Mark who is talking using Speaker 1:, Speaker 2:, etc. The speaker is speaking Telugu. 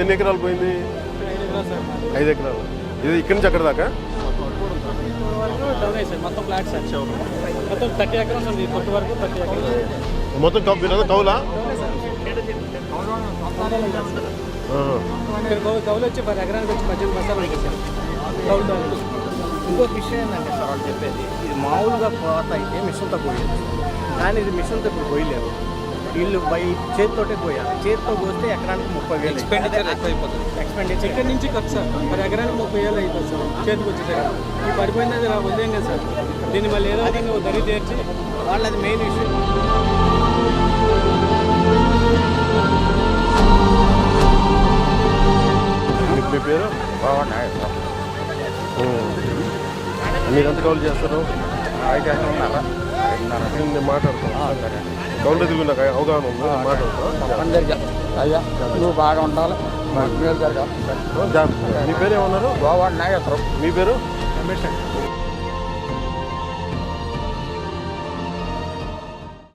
Speaker 1: ఎన్ని ఎకరాలు పోయింది? 5 ఎకరాలు. ఇది ఇక్కడి నుంచి అక్కడ దాకా
Speaker 2: మొత్తం ఫ్లాట్స్ మొత్తం 30 ఎకరాలు ఉంది. కొట్టు వరకు 30 ఎకరాలు
Speaker 1: మొత్తం కౌలా?
Speaker 2: కౌలు వచ్చి 10 ఎకరానికి వచ్చి 18 బస్తాలు వచ్చేసారు కౌలు.
Speaker 3: ఇంకొక విషయం ఏంటంటే సార్ వాళ్ళు చెప్పేది, ఇది మామూలుగా కోత అయితే మిషన్తో పోయేది, కానీ ఇది మిషన్తో ఇప్పుడు పోయలేరు. వీళ్ళు చేతితోటే పోయాలి. చేతితో పోస్తే ఎకరానికి 30,000
Speaker 2: ఎక్స్పెండిచర్ ఎక్స్పెండిచర్ ఇక్కడ నుంచి ఖర్చు సార్ 10 ఎకరానికి 30,000 అవుతుంది సార్ చేతికి వచ్చేసారు. ఈ పడిపోయినది వదిలేం కదా సార్, దీన్ని మళ్ళీ ఏదో విధంగా దరి తీర్చి
Speaker 3: వాళ్ళది మెయిన్ విషయం.
Speaker 1: మీ పేరు? మీరు ఎంత కౌలు చేస్తారు? నేను మాట్లాడతాను. కౌలు దగ్గర నాకు అవగాహన ఉంది, మాట్లాడతాను.
Speaker 3: అయ్యా నువ్వు బాగా ఉండాలి, మేలు జరగాలి.
Speaker 1: మీ పేరు ఏమన్నారు?
Speaker 3: గోవాడ నాగేశ్వరం.
Speaker 1: మీ పేరు?
Speaker 2: రమేష్.